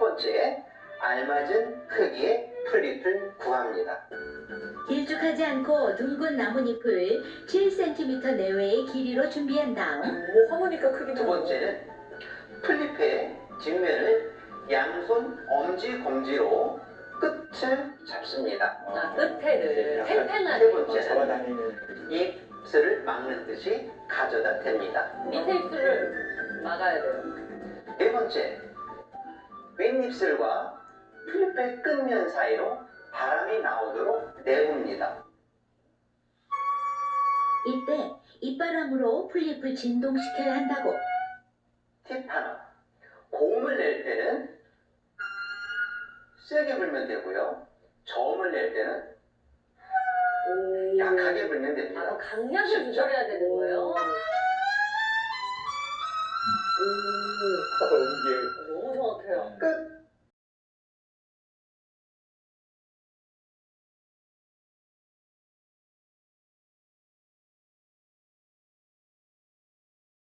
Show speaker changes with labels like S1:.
S1: 번째, 알맞은 크기의 플립을 구합니다.
S2: 길쭉하지 않고 둥근 나뭇잎을 7cm 내외의 길이로 준비한 다음
S3: 하모니카 크기도.
S1: 두 번째는 플립의 뒷면을 양손 엄지 검지로 끝을 잡습니다.
S3: 끝에를
S1: 세
S3: 팽팽하게.
S1: 번째는
S4: 잡아다니는.
S1: 입술을 막는 듯이 가져다 댑니다.
S3: 밑에 입술을 막아야 돼요.
S1: 네 번째, 윗입술과 플립의 끝면 사이로 바람이 나오도록 내봅니다.
S2: 이때 입바람으로 플립을 진동시켜야 한다고.
S1: 팁 하나, 고음을 낼 때는 세게 불면 되고요. 저음을 낼 때는 약하게 불면 됩니다.
S3: 강약을
S1: 쉽죠?
S3: 조절해야 되는 거예요.
S4: 이게